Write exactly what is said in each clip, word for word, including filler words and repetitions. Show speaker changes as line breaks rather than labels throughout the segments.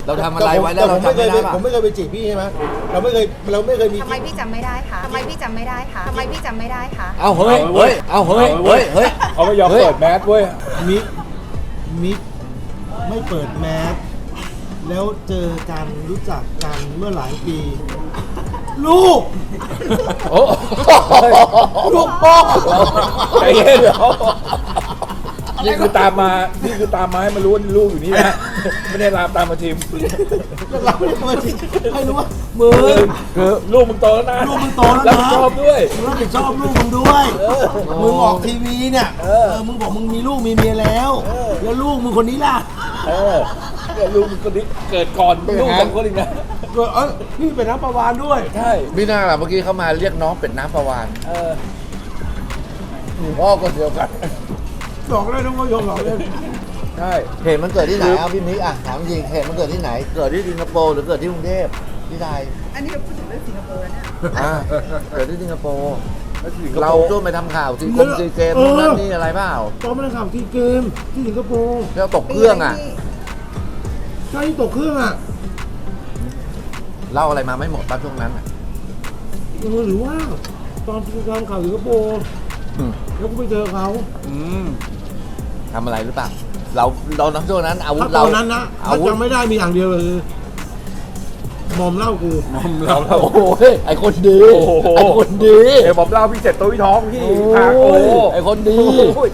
เราทำอะไรไว้แล้วเราจำไม่ได้ป่ะ
ผมไม่เคยไปจีบพี่ใช่ไหมเราไม่เคยเราไม่เคยมี
ทำไมพี่จำไม่ได้คะทำไมพี่จำไม่ได้คะทำไมพี่จำไม่ได้คะ
เอาเฮ้ยเฮ้ยเอาเฮ้ยเฮ้ยเฮ้ย
เขาไม่ยอมเปิดแมสเว้ย
มิกมิกไม่เปิดแมสแล้วเจอกันรู้จักกันเมื่อหลายปี ลูก
โอ้
ลูกพ่อ
ใจเย็นเดี๋ยวนี่คือตามมานี่คือตามมาให้มันรู้ว่าลูกอยู่นี่นะไม่ได้ตามตามมาทีม
เราไม่ได้มาจีบให้รู้ว่ามือ
คือลูกมึงโตแล้วนะ
ลูกมึงโตแล้วนะ
รับผิดชอบด้วย
มึงรับผิดชอบลูกมึงด้วยมึงออกทีวีเนี่ยเออมึงบอกมึงมีลูกมีเมียแล้วแล้วลูกมึงคนนี้ล่ะ
เออเนี่ยลูกมึงคนนี้เกิดก่อนลูกสองคนอีกนะ
เออพี่เป็นน้ำประวานด้วย
ใช่
พี่น่าล่ะเมื่อกี้เขามาเรียกน้องเป็ดน้ำประวาน
เออ
พ่อก็เดียวกัน
หลอกเลยน้องก็ยอมหลอกเลย
ใช่
เหตุมันเกิดที่ไหนอ่ะพี่มิกอ่ะถามจริงเหตุมันเกิดที่ไหน เกิดที่สิงคโปร์หรือเกิดที่กรุงเทพที่ไทย
อันนี้เราพูดถึงเรื่องสิงคโปร์แล้วเนี่ย
อ่าเกิดที่สิงคโปร์
แล้วที่สิงค
เรา
โปร์
ช่วยไปทำข่าวซีกงซีเกมนู่นนั่นนี่อะไรเปล่า
ตอนมาเล่นข่าวที่เกมที่สิงคโปร์
แล้วตกเครื่องอ่ะ
ใช่ที่ตกเครื่องอ่ะ
เล่าอะไรมาไม่หมดป่ะช่วงนั้นอ่ะ
เออหรือว่าตอนที่ทำข่าวสิงคโปร์
อืม
แล้วก็ไปเจอเขา
อืม
ทำอะไรหรือเปล่า เราเราณช่วงนั้นอาวุธ
ถ้าต
เรา
อนนั้นนะ
อา
ถ้า
วุธ
จำไม่ได้มีอย่างเดียวเลยมอมเหล้ากู
มอมเราเรา
โอ้โหไอคนดี
โอ้โห
ไอคนดี
เอ้ยผมเล่าพี่เจ็ดตัวพี่ท้องพี่
โอ้
พาโอ้
ยไอคนดี
โอ้ย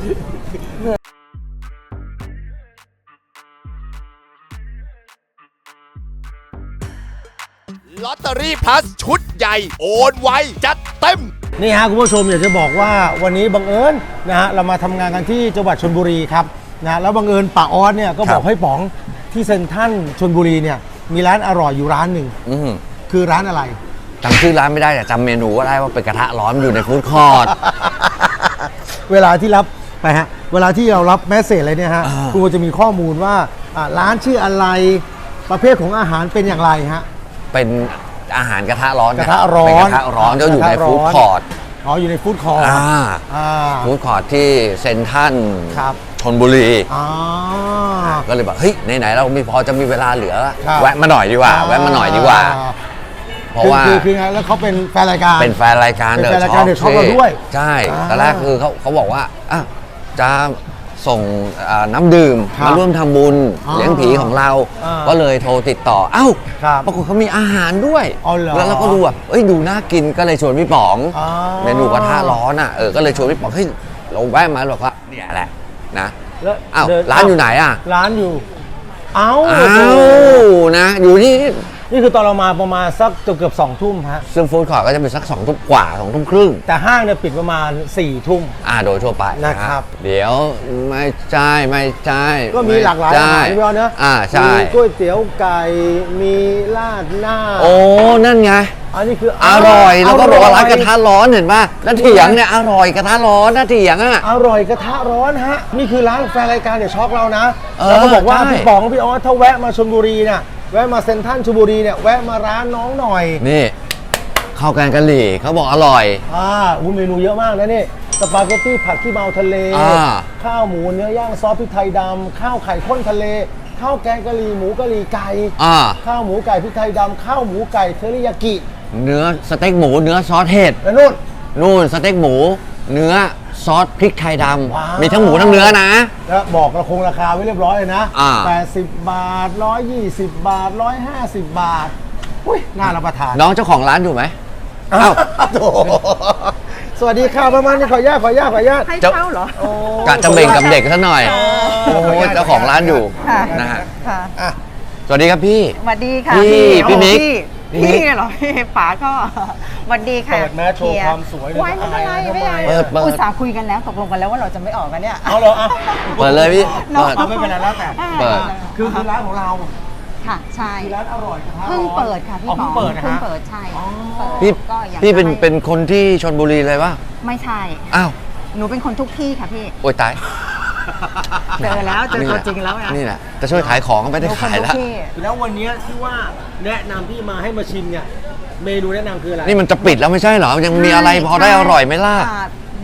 ลอตเตอรี่พลัสชุดใหญ่โอนไวจัดเต็ม
นี่ฮะคุณผู้ชมอยากจะบอกว่าวันนี้บังเอิญนะฮะเรามาทำงานกันที่จังหวัดชลบุรีครับนะแล้วบังเอิญป้าออสเนี่ยก็บอกให้ป๋องที่เซ็นทรัลชลบุรีเนี่ยมีร้านอร่อยอยู่ร้านหนึ่ง
อืม
คือร้านอะไร
จำชื่อร้านไม่ได้แต่จำเมนูก็ได้ว่าเป็นกระทะร้อนอยู่ในฟู้ดคอร์ท
เวลาที่รับไปฮะเวลาที่เรารับแมสเสจอะไรเนี่ยฮะ
อ่า
คุณจะมีข้อมูลว่าอ่าร้านชื่ออะไรประเภทของอาหารเป็นอย่างไรฮะ
เป็นอาหารกระทะร้อน
กระทะร้อน
เป็นกระทะร้อนก็อยู่ใน
กระทะร้อน
ฟู้ดคอร์ท
อ๋ออยู่ในฟู้ดคอร์ท
อ่า
อ่า
ฟู้ดคอร์ทที่เซ็นทรัล
ครับ
ชลบุรี
อ๋อ
ก็เลยบอกเฮ้ยไหนๆเรามีพอจะมีเวลาเหลือ
ครับ
แวะมาหน่อยดีกว่า แวะมาหน่อยดีกว่า เพราะว่า
คือคือไงแล้วเขาเป็นแฟนรายการ
เป็นแฟนรายการ
เป็น
เด
แฟน
อะ
ราย
ช็
กา
อ
ร
ป
The Shop เราด้วย
ใช่
อ่า
ตอนแรกคือเขาเขาบอกว่าอ่ะจะส่งอ่าน้ำดื่ม
ครับ
มาร่วมทำบุญ
อ๋อ
เลี้ยงผีของเรา
อ่า
ก็เลยโทรติดต่อเอ้า
ครับ
ปรากฏเขามีอาหารด้วย
อ๋อเหรอ
แล้วเราก็ดูแบบเอ้ยดูน่ากินก็เลยชวนพี่ป๋อง
อ๋อ
เมนูกระทะร้อนอ่ะเออก็เลยชวนพี่ป๋องเฮ้ยเราแวะมาบอกว่าเนี่ยแหละนะ
แล้ว
อ้าว
เดิ
ร้านอยู่ไหนอ่ะ
ร้านอยู่ เอ้า
อ้าวนะอยู่ที่
นี่คือตอนเรามาประมาณสักเกือบเกือบสองทุ่มฮะ
ซึ่งฟู้ดคอร์ทก็จะเป็นสักสองทุ่มกว่าสองทุ่มครึ่ง
แต่ห้างเนี่ยปิดประมาณสี่ทุ่ม
อ่าโดยทั่วไป
นะครับ
เดี๋ยวไม่ใช่ไม่ใช่
ก็มีหลากหลายอาหารพี่บอลเนอะ
อ่าใช่
มีก๋วยเตี๋ยวไก่ มีราดหน้า
โอ้นั่นไง
อันนี้คือ
อร่อยแล้วก็บอกว่าร้านกระทะ
อ
ร้อนเห็นป่ะแล้วเถียงเนี่ยอร่อยกระทะร้อนนะเถียงอ่ะ
อร่อยกระทะร้อนฮะ นี่คือร้านแฟนรายการเดี๋ยวช็อกเรานะ
เออ
แล้วก็บอกว่า
ใช่
พี่ป๋องพี่ออสถ้าแวะมาชลบุรีเนี่ยแวะมาเซ็นทรัลชลบุรีเนี่ยแวะมาร้านน้องหน่อย
นี่ข้าวแกงกะหรี่เขาบอกอร่อย
อ่าอุ้ยเมนูเยอะมากนะนี่สปาเกตตี้ผัดขี้เมาทะเล
อ่า
ข้าวหมูเนื้อย่างซอสพริกไทยดำข้าวไข่ข้นทะเล ข้าวแกงกะหรี่หมูกะหรี่ไก่
อ่า
ข้าวหมูไก่พริกไทยดำข้าวหมูไก่เทอริยากิ
เนื้อสเต็กหมูเนื้อซอสเห็ด
แล้วนู่น
นู่นสเต็กหมู เนื้อซอสพริกไทยด
ว้าว
ำมีทั้งหมูทั้งเนื้อนะ
แล้วบอกราคงราคาไว้เรียบร้อยเลยนะ
อ่า
แปดสิบบาทหนึ่งร้อยยี่สิบบาทหนึ่งร้อยห้าสิบบาทอุ้ยน่ารับประทาน
น้องเจ้าของร้านอยู่ไหม
อ้าวโถสวัสดีค่ะประมาณนี้ขออนุญาตขออนุญาตขออนุญาต
ให้
เจ้า
เช่าเหรอ
โอ้
กะจะเบ่งกับเด็กซะหน่อย
โอ้
โอ้ยเจ้าของร้านอยู่
ค่ะ
นะฮะ
ค่ะ
อ่ะ
สวัสดีครับพี่
สวัสดีค่ะ
พี่พี่มิก
พี่พี่เหรอพี่ป๋าก็สวัสดีค่ะ
เปิดแมสโชว์ความสวยเลย
ไว้ไม่เป็นไรไม่เป็นไร
เปิดเปิด
อุตส่าห์คุยกันแล้วตกลงกันแล้วว่าเราจะไม่ออกกันเนี่ย
เอาเหรออ่ะ
เปิดเลยพี่
เนอะ
เปิด
เอาไม่เป็นไรแล้วแต่
เปิด
คือคือร้านของเรา
ค่ะใช่
คือร้านอร่อยกระทะร้อน
เพิ่งเปิดค่ะพี่
อ๋อ
ป๋
เพิ่
อง
เปิดนะ
เพิ่ง
ฮะ
เปิดใช่
อ๋อ
เปิด
พี่
ก็อยาก
พี่เป็น
จะให้
เป็นคนที่ชลบุรีเลยปะ
ไม่ใช่
อ้าว
หนูเป็นคนทุกที่ค่ะพี่
โอ้ยตาย
เจอแล้วเจอตัวจริงแล้วไง
นี่แหละจะช่วยขายของก็ไม่ได้
หนูคน
ขาย
ทุ
แล้ว
กที่
แล้ววันนี้ที่ว่าแนะนำพี่มาให้มาชิมเนี่ยเมนูแนะนำคืออะไร
นี่มันจะปิดแล้วไม่ใช่เหรอ ยังมีอะไรพอได้อร่อยไหมล่ะ
อ่า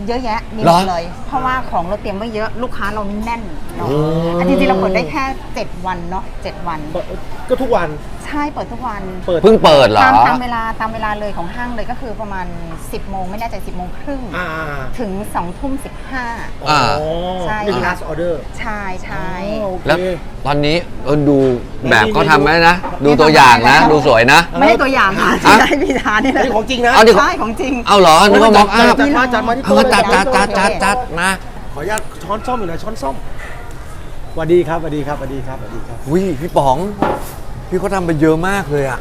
เยอะแยะมีห
เหร
ม
อ
ดเลย เพราะว่าของเราเตรียมไว้เยอะลูกค้าเราแน่นเนาะ
โอ้
อันจริงๆเราเปิดได้แค่เจ็ดวันเนาะเจ็ดวัน
ก็ทุกวัน
ใช่เปิดทุกวัน
เปิด
เพิ่งเปิดเหรอ
ตามตามเวลาตามเวลาเลยของห้างเลยก็คือประมาณ สิบโมงไม่แน่ใจสิบโมงครึ่ง
อ่า
ถึงสองทุ่มสิบห้า
อ่า
ใช่
เป็น
ค่ะ
last order
ใช่ใช่
อ๋อโอเค
แล้วตอนนี้เออดูแบบเขาทำไว้นะ ดู
นี่
ตัวอย่างนะ
ทำไว้แล้ว
ดูสวยนะ
ไม่ได้ตัวอย่างค่ะที่ได้พี่ทานนี่แหละ
นี่ของจริงนะ
เอาดิ
ใช่ของจริง
เอาเหรอนึกว่ามอกอัพ
จัดมาจัดมาที่
เอ
โต๊ะ
อจัดจัดจัดจัดจัดนะ
ขออนุญาตช้อนส้อมอยู่ไหนช้อนส้อมสวัสดีครับสวัสดีครับสวัสดีครับสวัสดีครับ
วิพี่ป๋อง พี่เขาทำไปเยอะมากเลยอะ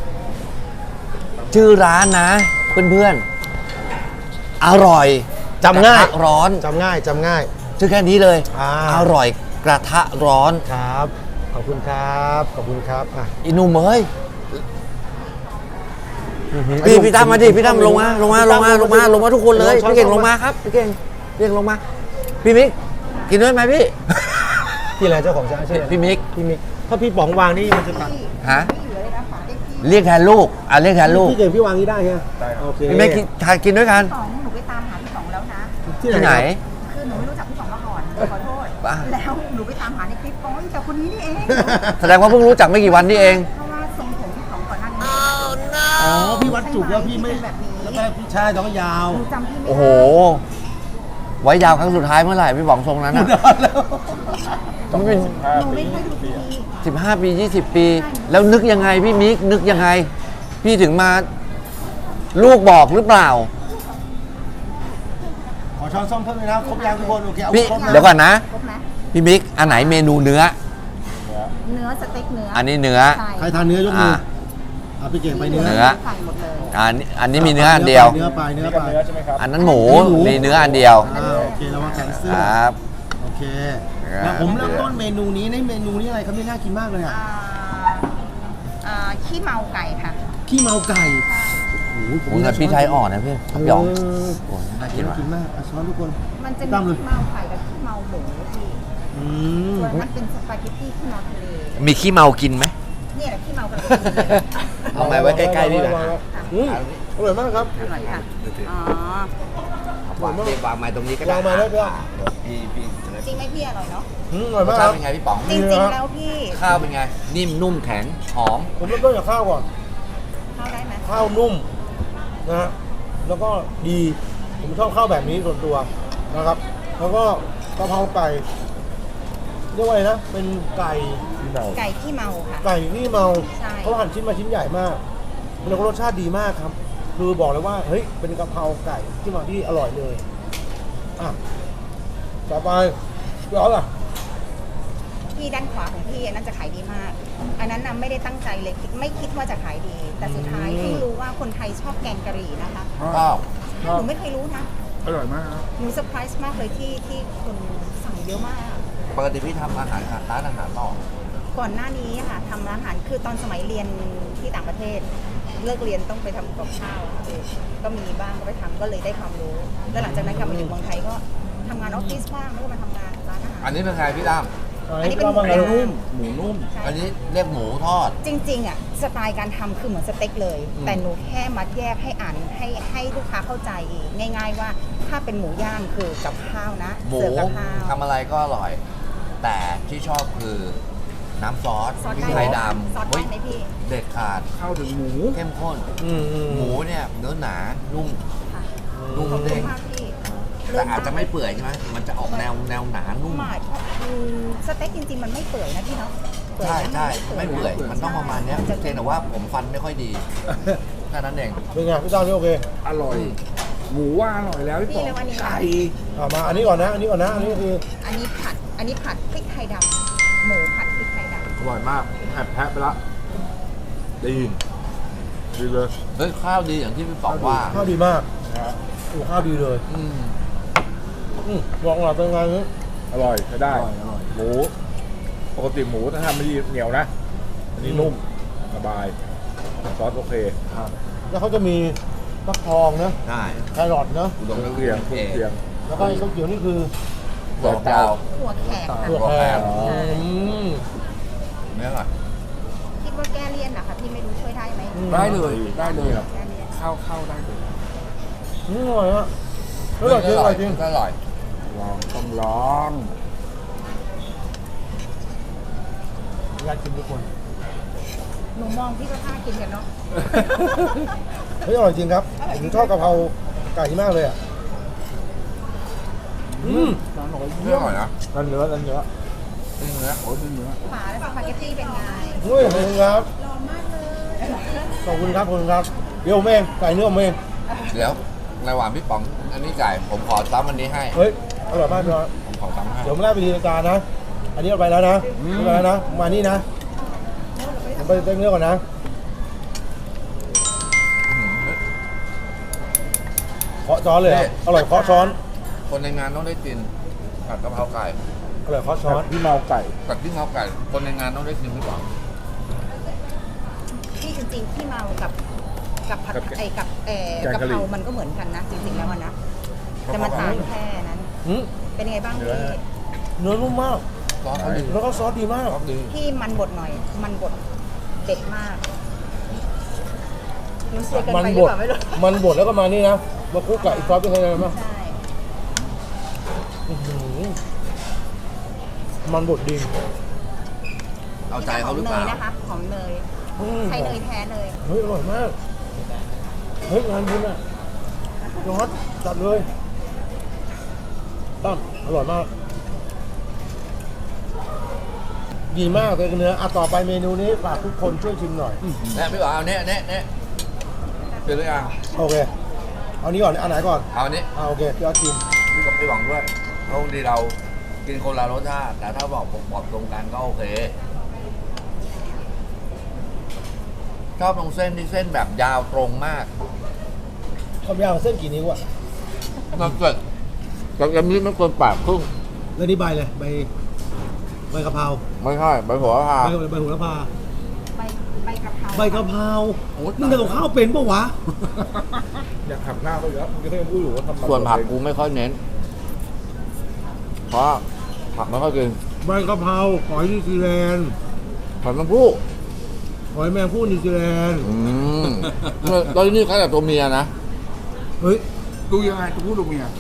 ชื่อร้านนะ เพื่อนๆ อร่อย
จำง่าย
กระทะร้อน
จำง่ายจำง่าย
ชื่อแค่นี้เลย
อ่า
อร่อยกระทะร้อน
ครับ ขอบคุณครับขอบคุณครับอ่ะ
อินุ่มเอ้ย
อื้อหือ
พี่พี่ตั้มมาดิพี่ตั้มลงมาลงมาลงมาลงมาลงมาทุกคนเลย
ช้อน
พี่เก่ง
ช้อน
ลงมาครับพี่เก่งพี่เก่งลงมา พี่มิกกินด้วยไหมพี่
พี่อะไรเจ้าของร้านชื่ออะไร
พี่มิก
พี่มิกถ้าพี่ป๋องวางนี่มันจะตัด
ฮะ
ไม่เหลือเลยนะฝาได้พี่
เรียกแทนลูกอ่ะเรียกแทนลูก
พี่เก่งพี่วางนี่ได้ใช่ไหมโอเค
พี่มิกกินทานกินด้วยกัน
สองหนูไปตามหาพี่สองแล้วนะ
ที่
ที่
ไห
ไห
น
น
คือหนูไม่รู้จักพี่สองมาก่อนขอโทษ
บ้า
แล้วหนูไปตามหาในคลิปโอ้ยแต่คนนี้นี่เอง
แสดงว่าเพิ่งรู้จักไม่กี่วันนี่เอง
เพราะว่าทรงผมพี่สองก่อนหน้านี้
อ๋อพี่วัดจุกแล้วพี่ไม่
เป็นแบบนี้
แล้วก็พี่ชายต้องยาว
หนูจำพี่ไม่ได้
โอ้โห ไว้ยาวครั้งสุดท้ายเมื่อไหร่พี่บอกทรงนั้นอ่ะ
นานแล้ว
มันเป็น
หนูไม่ค่อยดูทีวี
สิบห้าปียี่สิบปี แล้วนึกยังไงพี่มิกนึกยังไง พี่ถึงมาลูกบอกหรือเปล่า
ขอช้อนส้อมเพิ่มเลยนะครบยังทุกคนโอเคเอา
พี่
ครบนะ
เดี๋ยวก่อนนะ
ครบไหม
พี่มิกอันไหนเมนูเนื้อ
เนื้อสเต็กเนื้อ
อั
อั
นนี้เนื้อ
ใครทานเนื้อยกมือ
อ่า
อ่ะพี่เก่งไปเนื้อ
เนื้อ
ใส่หมดเลย
อันนี้อันนี้มีเนื้ออันเดียว
เนื้อไปเนื้อ
นี่
ไป
กับเนื้อใช่ไหมครับ
อันนั้นหมู
หมู
มีเนื้ออันเดียว
อ่าโอเคแล้วว่าแคนเซิล
ครับ
โอเค
ครับ
แล้วผมเริ่มต้นเมนูนี้ในเมนูนี้อะไรครับนี่น่ากินมากเลยอ่ะ
อ่าอ่าขี้เมาไก่ค่ะ
ขี้เมาไก่โอ้โห
โอ้ยแต่พี่ชายอ่อนนะพี่ครับหยอง
เ
โอ้ยน่ากิน
น่า
ว่ะ
กินมากอ่ะช้อนทุกคน
มันจะมี
ตามเลย
ขี้เมาไก่กับขี้เมาหมูพี่
อืม
ส่วนนั้นเป็นสปาเกตตี้ขี้เมาทะเล
มีขี้เมากินไหม
เนี่ยแหละขี้เมากำลังกินเลย
เอาไม้ไว้ใกล้ๆพี่นะ
อืมอร่อยมากครับ
อร่อยค่ะอ๋อ
วางวางไม้ตรงนี้ก็ได้
วางไม้ได้ด้วย
พี่พี่
จริงไหมพี่อร่อยเนาะ
อืมอร่อย
รส
มากค
ชา
รั
ติ
บ
เป็นไงพี่ป๋อง
จริงๆแล้วพี่
ข้าวเป็นไง นิ่มนุ่มแข็งหอม
ผมเริ่มต้นจากข้าวก่อน
เข้าได้ไหม
ข้าวนุ่มนะฮะแล้วก็ดีผมชอบข้าวแบบนี้ส่วนตัวนะครับ แล้วก็กะเพราไก่เรียกว่าอะไรนะเป็นไก่
ที่เรา
ไก่ขี้เมาค่ะ
ไก่ที่เมา
ใช่
เขาหั่นชิ้นมาชิ้นใหญ่มากแล้วก็รสชาติดีมากครับ คือบอกเลยว่าเฮ้ยเป็นกะเพราไก่ที่มาที่อร่อยเลยอ่ะต่อไปพี่อ๋อล่ะ
ที่ด้านขวาของพี่อันนั้นจะขายดีมาก อันนั้นนะไม่ได้ตั้งใจเลยคิดไม่คิดว่าจะขายดี แต่สุดท้ายเพิ่งรู้ว่าคนไทยชอบแกงกะหรี่นะคะ
ข้าว
หนูไม่เคยรู้นะ
อร่อยมากครับ
หนูเซอร์ไพรส์มากเลยที่ที่คนสั่งเยอะมาก
ปกติพี่ทำอาหารค่ะร้านอาหารต่อ
ก่อนหน้านี้ค่ะทำร้านอาหารคือตอนสมัยเรียนที่ต่างประเทศ เลิกเรียนต้องไปทำกับข้าวค่ะคือก็มีบ้างก็ไปทำก็เลยได้ความรู้ แล้วหลังจากนั้นกลับมาอยู่เมืองไทยก็ทำงานออฟฟิศบ้างแล้วก็มาทำงานร้านอาหาร
อันนี้เป็นไงพี่ตั้ม
อันนี้เป็น
หมู
หมู
นุ่ม
หมูนุ่ม
ใช่
อันนี้เรียกหมูทอด
จริงๆอ่ะสไตล์การทำคือเหมือนสเต็กเลย
อืม
แต่หนูแค่มัดแยกให้อ่านให้ให้ลูกค้าเข้าใจง่าย ๆว่าถ้าเป็นหมูย่างคือกับข้าวนะ
หมู
เสิร์ฟกับข้าว
ทำอะไรก็อร่อย แต่ที่ชอบคือน้ำซอส
ซอส
พริก
ได้
ไทยด
ซอส
ำ
ได้
เฮ้ย
ไหมพี่
เด็ดขาด
ข้าวถึงหมู
เข้มข้น
อืมอืม
หมูเนี่ยเนื้อหนา นุ่ม
ค่ะ
นุ่ม
ขอบคุ
เด้
ณ
ง
มากพี่
แต่อาจจะไม่เปื่อยใช่ไหมมันจะออกแนวแนวหนานุ่ม
หมาดอืมสเต็กจริงๆมันไม่เปื่อยนะพี่เนาะเปื่อย
ใช่
นะ
ใช่
น
ไม่เปื่อย มันต้องประมาณเนี้ย
จะ
เพียงแต่ว่าผมฟันไม่ค่อยดีแค่นั้นเอง
เป็นไงพี่ตั้มนี่โอเค
อร่อย หมูว่าอร่อยแล้วพี่
พี่
ป๋อง
แล้วอันนี้
ไก่
อ่ะมาอันนี้ก่อนนะ อันนี้ก่อนนะ อันนี้คือ
อันนี้ผัด อันนี้ผัดพริกไทยดำหมูผัดพริกไทยด
อร่อยมากแอบแพะไปละดีดีเลย
เฮ้ยข้าวดีอย่างที่พี่ป๋องว่า
ข้าวดีมากโอ้ข้าวดีเลย
อืม
อืมบอกหน่อยเป็นไงนี่
อร่อยใช้ได้
อร่อยอร่อย
หมู ปกติหมูถ้าทำไม่ดีเหนียวนะ อันนี้นุ่ม สบาย ซอสโอเค
แล้วเขาจะมีฟักทองนะ
ได้
แครอทนะ
อุดม
เครื่องเคียงเครื่องเคียง
แล้วก็ไอ้ข้าวเขียวนี่คือ
หัวเจ้า
ำหัวแขกค่ะ
ถั่วแคร
อ๋อ
อืม
เนื้อก่อน
คิดว่าแก้เลี่ยนนะคะพี่ไม่รู้ช่วยได้ไหม
ได้เลย ได้เลย
แก้เลี่ยน
เข้าเข้าได้เลย
อืมอร่อยฮะแอร่อยจริงอร่อยจริง
อร่อย
ลองต้องลอง
อยากกินทุกคน
หนูมองพี่ก็ท่ากินกันเนาะ
เฮ้ยอร่อยจริงครับผมชอบกะเพราไก่มากเลยอ่ะอืม
ไม่อร่อยนะ
นั่นเนื้อนั่นเนื้อ
นี่เนื้อ
โอ้ยนี่เนื้อ
ฝาและสปาเกตตี้เป็นไง
เฮ้ยขอบคุณครับขอบคุณครับขอบคุณครับเดี๋ยวผมเองไก่เนื้อผมเอง
เดี๋ยวในหวานพี่ป๋อง อันนี้ไก่ผมขอซ้ำอันนี้ให้
เฮ้ยอร่อยมากเลย
ผมขอซ้ำให้
เดี๋ยวผมไล่ไปทีละจานนะ อันนี้เอาไปแล้วนะเอาไปแล้วนะ มานี่นะ ผมไปเต้นเนื้อก่อนนะ เคาะช้อนเลยอะอร่อยเคาะช้อน
คนในงานต้องได้กินผัดกะเพราไก่
อร่อยเคาะช้อน
พี่เมาไก่
ผัดที่เขาไก่ คนในงานต้องได้กินพี่ป๋อง
ที่จริงๆที่เมากับกับผัด
กับ
ไอ้กับเอ่อ
แกง
กะ
กะหรี่
เพรามันก็เหมือนกันนะ จริงๆแล้วอะนะแต่มันต่างแค่นั้น
หืม
เป็นไงบ้างพี่
เนื้อนุ่มมาก
ซอสเขาดี
แล้วก็ซอสดีมาก
ซอสดี
ที่มันบดหน่อย มันบดเด็ดมากหนูเสียเกิน
มัน
ไปห
บ
รือ
ด
เปล่าไม่รู้
มันบดแล้วก็มานี่นะ มาคลุกกับอีกซอสเป็นไงมั้าง
ใช่
อื้อหือมันบดดี
เอาใจ
ห
เขา
อม
หรือ
เน
เปล่าย
นะคะหอมเนย
อืม
ใช้เนยแท้เลย
เฮ้ยอร่อยมาก เฮ้ยงานบุญอ่ะยอดจัดเลยตั้มอร่อยมาก ดีมากเลยเนื้ออ่ะต่อไปเมนูนี้ฝากทุกคนช่วยชิมหน่อย
เนี่ยพี่ป๋องเอาเนี้ยเนี้ยเนี้ยเป็นหรือยัง
โอเค เอานี้ก่อนอันไหนก่อน
เอาอันนี้
อ่าโอเคพี่ยอดชิม
พี่กับพี่หวังด้วยเพราะบางทีเรากินคนละรสชาติแต่ถ้าบอกผมบอกตรงกันก็โอเคชอบตรงเส้นที่เส้นแบบยาวตรงมาก
ความยาวของเส้นกี่นิ้วอ่ะ
มันเกิดกับยำนี้ไม่เกินปากครึ่ง
แล้วนี่ใบเลยใบใบกะเพรา
ไม่ใช่ใบหัวพา
ใบใบโหระพา
ใบใบกะเพรา
ใบกะเพรามึงทำกับข้าวเป็นปะวะ
อยากขับหน้าเขาอยู่แล้วมึงก็ยังพูดอยู่ว่าทำ
ส่วนผักกูไม่ค่อยเน้น เพราะผักไม่ค่อยกิน
ใบกะเพราหอยนิวซีแลนด์
ผักน้ำผู้
หอยแมงผู้นิวซีแลนด์
อืมตอนนี้เขาแต่ตัวเมียนะ
เฮ้ย
ดูยังไงตัวผู้ตัวเมีย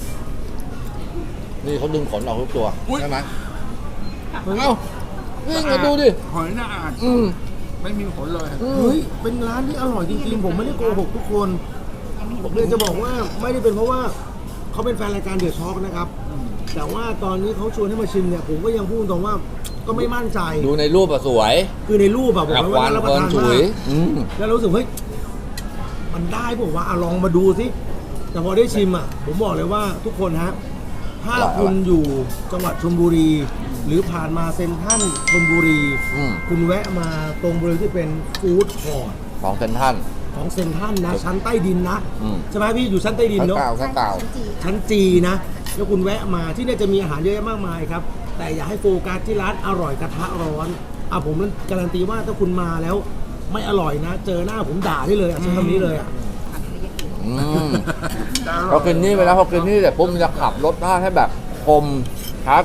นี่เขาดึงขนออกทุกตัว
อุ๊ย
ใช่ไหมเอ้านี่มาดูดิ
หอยน่าอาด
อืม
ไม่มีขนเลย
อืม
เฮ้ยเป็นร้านที่อร่อยจริงๆผมไม่ได้โกหกทุกคนผมเลยจะบอกว่าไม่ได้เป็นเพราะว่าเขาเป็นแฟนรายการเดือดช็อกนะครับ แต่ว่าตอนนี้เขาชวนให้มาชิมเนี่ยผมก็ยังพูดตรงว่าก็ไม่มั่นใจ
ดูในรูปอะสวย
คือในรูปแบบบอก
กับ
เลย
ค
ว่า
วัน
น่ารับป
เพลิ
ระ
น
ทาน
ฉุ
มาย ก
อืม
แล้วเรารู้สึกเฮ้ยมันได้ผมว่าอ่ะลองมาดูสิแต่พอได้ชิมอ่ะ ผมบอกเลยว่าทุกคนฮะถ้าคุณอยู่จังหวัดชลบุรี หรือผ่านมาเซ็นทรัลชลบุรี
อืม
คุณแวะมาตรงบริเวณที่เป็นฟู้ดคอร์ท
ของเซนทรัน
ของเซ็นทรัลนะชั้นใต้ดินนะ
อืม
ใช่ไหมพี่อยู่ชั้นใต้ดิน
ข้าง
เนาะ
เก่าข้างเก่า
ชั้นจีนะแล้วคุณแวะมาที่เนี่ยจะมีอาหารเยอะแยะมากมายครับ แต่อย่าให้โฟกัสที่ร้านอร่อยกระทะร้อนอ่ะผมนั้นการันตีว่าถ้าคุณมาแล้ว ไม่อร่อยนะ เจอหน้าผมด่าได้เลยอ่ะใช้คำนี้เลยอ่ะ
อืมพอกินนี่ไปแล้วพอกินนี่เสร็จปุ๊บมันจะขับรสชาติให้แบบคมชัด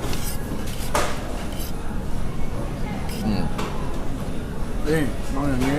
อืม
นี่มองอย่างนี้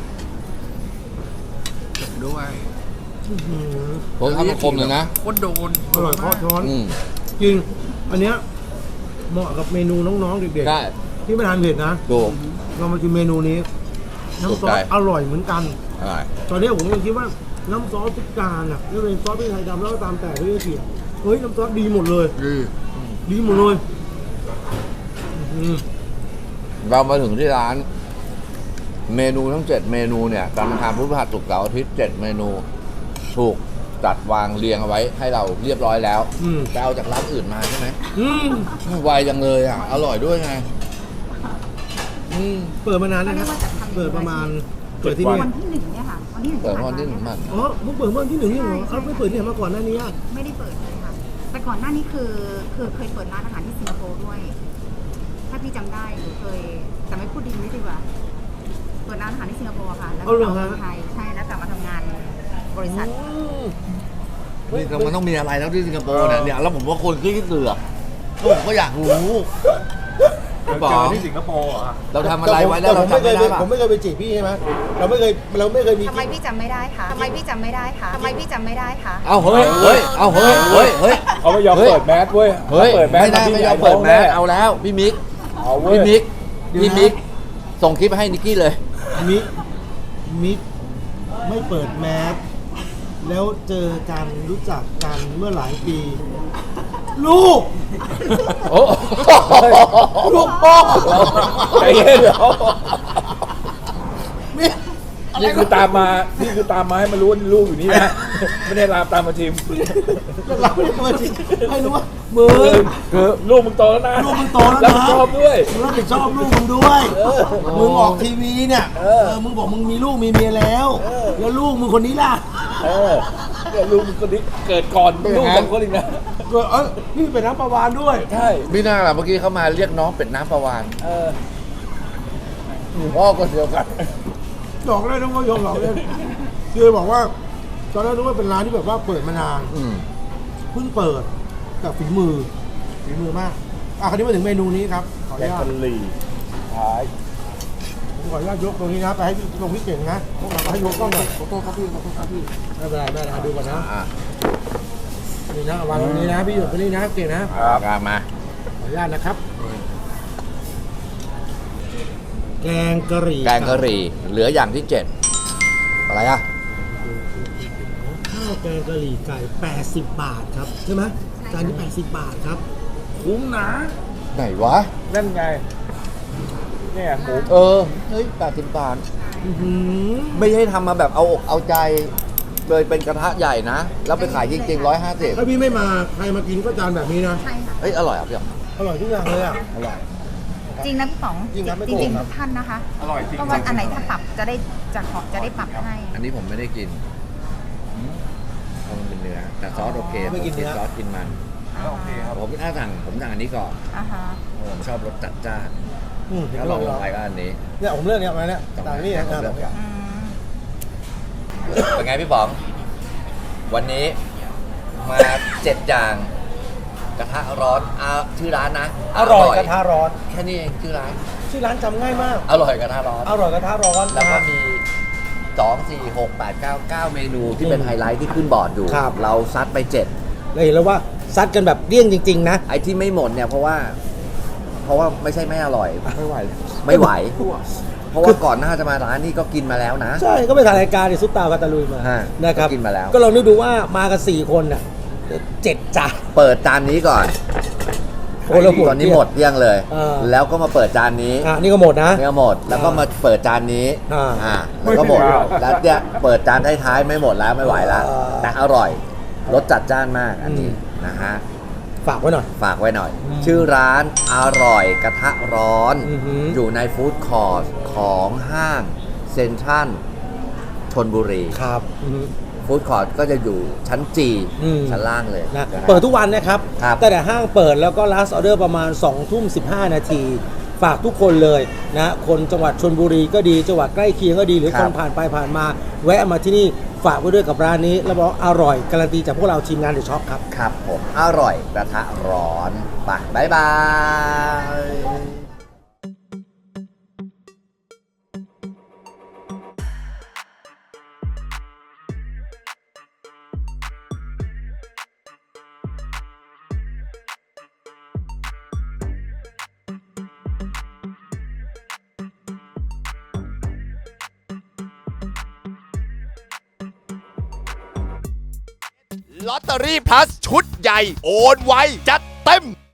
ด้วย
ผมทำมาคมเลยนะ
ก็โดน
อร่อยเพราะช้อน
อืม
จริง อันเนี้ยเหมาะกับเมนูน้องๆเด็ก
ได้
ๆที่ไม่ทานเผ็ดนะ
ดู
เรามากินเมนูนี้ น้ำซอสอร่อยเหมือนกัน
อะไร
ตอนนี้ผมยังคิดว่าน้ำซอสทุกจานอ่ะไม่ว่าเป็นซอสพริกไทยดำแล้วก็ตามแต่ที่จะเขียนเฮ้ยน้ำซอสดีหมดเลย
คือ
ดีหมดเลยอืม
เรามาถึงที่ร้าน เมนูทั้งเจ็ดเมนูเนี่ยตามทางพุทธหัสศุกร์เสาร์อาทิตย์เจ็ดเมนู ถูกจัดวางเรียงเอาไว้ให้เราเรียบร้อยแล้ว
อืม
ไปเอาจากร้านอื่นมาใช่ไหม
อืม
ไวจังเลยอ่ะ อร่อยด้วยไง อืม
เปิดมานานนะครับ เปิดประมาณเปิดที่นี่
วันที่หนึ่งเนี่ยค่ะวันที่หนึ่ง
เปิด
ที่
วันที่หนึ่ง
ผ่า
มัน
อ๋อมึงเปิดเมื่อวันที่หนึ่งนี่เหรอเอาไม่เปิดที่ไหนมาก่อนหน้านี้อ่ะ
ไม่ได้เปิดเลยค่ะ แต่ก่อนหน้านี้คือคือเคยเปิดร้านอาหารที่สิงคโปร์ด้วย ถ้าพี่จำได้หนูเคยแต่ไม่พูดดีไม่ดีกว่า เปิดร้านอาหารที่สิงคโปร์ค่ะ แล้วก็กลับมาเมืองไทยใช่แล้วกลับมาทำงานบริษัท
อืม
นี่มันต้องมีอะไรแล้วที่สิงคโปร์เนี่ยเนี่ยแล้วผมว่าคนที่เสือกผมก็อยากรู้
เรา
ป๋
เจ
อ
อง ที่สิงคโปร์เหรอ
เราทำอะไรไว้แล้วเรา
ผมไม่
ทำ
เค
ไม่
ย
ได้
ไป
ป่ะ
ผมไม่เคยไปจีบพี่ใช่ไหมเราไม่เคยเราไม่เคยมี
ทำไมพี่จำไม่ได้คะทำไมพี่จำไม่ได้คะทำไมพี่จำไม่ได้คะ
เอาเฮ้ยเฮ้ยเอาเฮ้ยเฮ้ยเฮ้ย
เขาไม่ยอม
เฮ้ย
เปิดแมสเว้ย
เฮ้ย
ถ้าเปิดแมส
ไม่ได้
พี่
ไม่ยอม
ใหญ่
เปิดแมส
ท้งน่
เอาแล้วพี่มิก
เอาเว้ย
พี่มิกพี่มิกส่งคลิปให้นิกกี้เลย
มิกมิกไม่เปิดแมสแล้วเจอกันรู้จักกันเมื่อหลายปี ลูก
โอ้
ลูกพ่อ
ใจเย็นเดี๋ยว
มิก
นี่คือตามมานี่คือตามมาให้มันรู้ว่าลูกอยู่นี่นะ ไม่ได้ลามตามมาทีม
เราไม่ได้มาจริงให้รู้ว่ามึง
คือลูกมึงโตแล้วนะ
ลูกมึงโตแล้ว
รับ
นะ
ผิดชอบด้วย
มึงรับผิดชอบลูกมึงด้วย มึงออกทีวีเนี่ย
เอ
เอ
อ
อ มึงบอกมึงมีลูกมีเมียแล้ว แล้วลูกมึงคนนี้ล่ะ
เออเนี่ยลูกมึงคนนี้เกิดก่อนลูกสองคนอีกนะ
ก็เออพี่เป็นน้ำประวานด้วย
ใช่
พี่น่าล่ะเมื่อกี้เขามาเรียกน้องเป็ดน้ำประวาน
เออ
พ่อก็เดียวกัน
หลอกได้น้องก็ยอมหลอกเล่นคือบอกว่าตอนแรกนึกว่าเป็นร้านที่แบบว่าเปิดมานาน
อืม
เพิ่งเปิดกับฝีมือฝีมือมากอ่ะคราวนี้มาถึงเมนูนี้ครับขออ
แก
นุ
ง
ญาต
กะหรี่ท้าย
ผมขออนุญาตยกตรงนี้นะไปให้พี่ลงพี่เก่งนะพวกเราให้ยกกล้องหน่อยขอโทษครับพี่ขอโทษครับพี่ไม่เป็นไรไม่เป็นไรดูก่อนนะ
อ่ะ
นี่นะวางตรงนี้นะพี่หยุดตรงนี้นะเก่งนะ
กลางมา
ขออนุญาตนะครับ แกงกะหรี่
แกงกะหรี่เหลืออย่างที่เจ็ดอะไรอ่ะ
ข้าวแกงกะหรี่ไก่แปดสิบบาทครับใช่ไหมจานนี้แปดสิบบาทครับ
คุ้มนะ
ไหนวะ
นั่นไง เนี่ยหมู
เออ เฮ้ยแปดสิบบาท
อื้อหือ
ไม่ใช่ทำมาแบบเอาอกเอาใจ เลยเป็นกระทะใหญ่นะ แล้วไปขายจริงๆร้อยห้าสิบ
ถ้าพี่ไม่มาใครมากินก็จานแบบนี้นะ
ใช่ค่ะ
เฮ้ย อร่อยอ่ะพี่อ๋อม
อร่อยทุกอย่างเลยอ่ะ
อร่อย
จริงนะพี่ป๋อง
จริงนะไม่
จ
โกหก
ริง
ครั
ๆ
บ
ทุกท่านนะคะ
อร่อยจริง
ก็ว่าอันไหนถ้าปรับจะได้จะขอจะได้ปรับให้
อันนี้ผมไม่ได้กินเพราะมันเป็นเนื้อ แต่ซอสโอเค
ไม่กินเนื้อ
ซอสกินมัน
โอเคครับ
ผมถ้าสั่งผมสั่งอันนี้ก่อน
อ่าฮะ
เพราะผมชอบรสจัดจ้าน
อืมเห็น
ถ้า
ไหม
ลองล
ล
ง
ง
ไปก็อันนี้
เนี่ยผมเลือกเนี่ยมาเนี่ยต่างนี่นะ
ผมเลือกก่อน
อืม
เป็นไงพี่ป๋อง วันนี้มาเจ็ดอย่างกระทะร้อนอาชื่อร้านนะ
อร่อยกระทะร้อน
แค่นี้เองชื่อร้าน
ชื่อร้านจำง่ายมาก
อร่อยกระทะร้อน
อร่อยกระทะร้อน
แล้ว
นะค
ก็
รับ
มีสองสี่หกแปดเก้าเก้าเมนูที่เป็นไฮไลท์ที่ขึ้นบอร์ดอยู่
ครับ
เราซัดไปเจ็ด
เราเห็นแล้วว่าซัดกันแบบเลี่ยงจริง ๆ นะ
ไอ้ที่ไม่หมดเนี่ยเพราะว่า เพราะว่าไม่ใช่ไม่อร่อย
ไม่ไหว
ไม่ไหว เพราะว่าก่อนหน้าจะมาร้านนี้ก็กินมาแล้วนะ
ใช่ก็ไปถ่ายรายการในซุปตาปาตาลุยมา
ฮะ
นะครับ
ก็กินมาแล้ว
ก็ลองนึกดูว่ามากันสี่คนน่ะเจ็ดจาน
เปิดจานนี้ก่อน
โอ้แล้วหมด
ตอนนี้หมดเกลี้ยงเลย
เออ
แล้วก็มาเปิดจานนี้
อ่ะนี่ก็หมดนะ
เนี่ยหมด แล้วก็มาเปิดจานนี้
อ่า
อ่าแล้วก็หมด
ไม่ถึงแล้ว
แล้วเนี่ยเปิดจานท้ายๆไม่หมดแล้วไม่ไหวแล้ว
อ่า
แต่อร่อยรสจัดจ้านมากอันนี้
อืม
นะฮะ
ฝากไว้หน่อย
ฝากไว้หน่อย
อืม
ชื่อร้านอร่อยกระทะร้อน
อือหือ
อยู่ในฟู้ดคอร์ทของห้างเซ็นทรัลชนบุรี
ครับอืม
ฟู้ดคอร์ทก็จะอยู่ชั้นจี
อืม
ชั้นล่างเลย
นะ
นะ
เปิดทุกวันนะครับ
ครับ
แต่แต่ห้างเปิดแล้วก็ last order ประมาณสองทุ่มสิบห้านาที ฝากทุกคนเลยนะคนจังหวัดชลบุรีก็ดีจังหวัดใกล้เคียงก็ดีหรือ
ค
ครับ นผ่านไปผ่านมา แวะมาที่นี่ฝากไว้ด้วยกับร้านนี้ แล้วบอกอร่อยการันตีจากพวกเราทีมงานเดอะช็อปครับ
ครับผมอร่อยกระทะร้อนไปบ๊ายบาย
ลอตเตอรี่พลัสชุดใหญ่ โอนไวจัดเต็ม